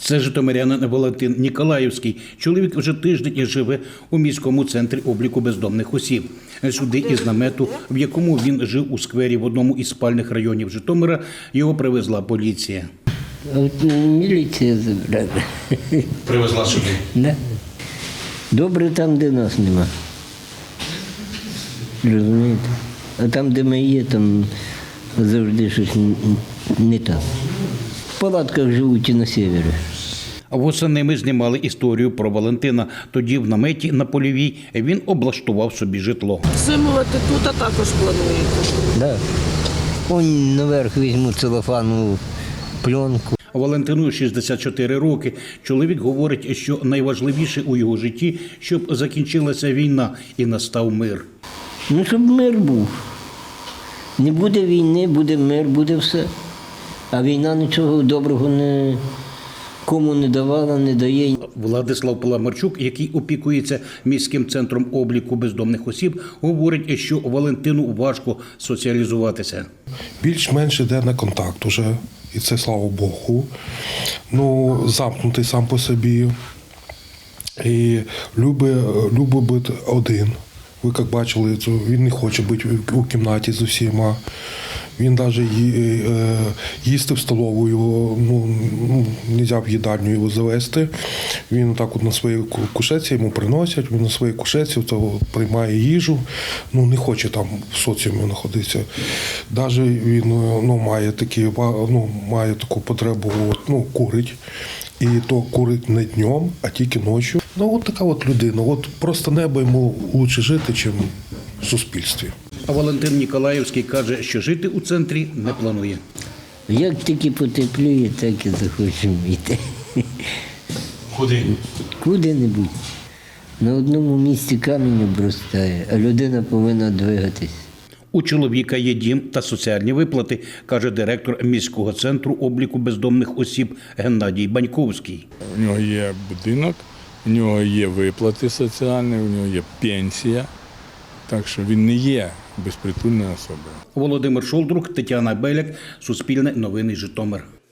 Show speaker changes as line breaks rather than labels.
Це житомирянин Валентин Ніколаївський. Чоловік вже тиждень живе у міському центрі обліку бездомних осіб. Сюди із намету, в якому він жив у сквері в одному із спальних районів Житомира, його привезла поліція.
От міліція забрала.
Привезла сюди?
Да. Добре там, де нас нема. Розумієте? А там, де ми є, там завжди щось не так. В палатках живуть і на севері.
Восени ми знімали історію про Валентина. Тоді в наметі на Польовій він облаштував собі житло.
Зимувати тут, а також плануєте?
Да. Он наверх візьму целофанову пленку.
Валентину 64 роки. Чоловік говорить, що найважливіше у його житті, щоб закінчилася війна і настав мир.
Ну, щоб мир був. Не буде війни, буде мир, буде все. А війна нічого доброго кому не давала, не дає.
Владислав Паламарчук, який опікується міським центром обліку бездомних осіб, говорить, що Валентину важко соціалізуватися.
Більш-менш йде на контакт уже, і це слава Богу. Ну, замкнутий сам по собі. І любить бути один. Ви як бачили, він не хоче бути у кімнаті з усіма. Він навіть їсти в столову його, не можна в їдальню його завести. Він так от на своїй кушетці йому приносять, він на своїй кушетці приймає їжу, не хоче там в соціумі знаходитися. Навіть він має таку потребу, курить. І то курить не днем, а тільки ночі. От така от людина. От просто небо йому краще жити, ніж в суспільстві.
А Валентин Ніколаївський каже, що жити у центрі не планує.
Як тільки потепліє, так і захочемо йти.
Куди?
Куди-небудь. На одному місці камінь обростає, а людина повинна двигатись.
У чоловіка є дім та соціальні виплати, каже директор міського центру обліку бездомних осіб Геннадій Баньковський.
У нього є будинок, у нього є виплати соціальні, у нього є пенсія, так що він не є безпритульною особою.
Володимир Шолдрук, Тетяна Беляк, Суспільне новини Житомир.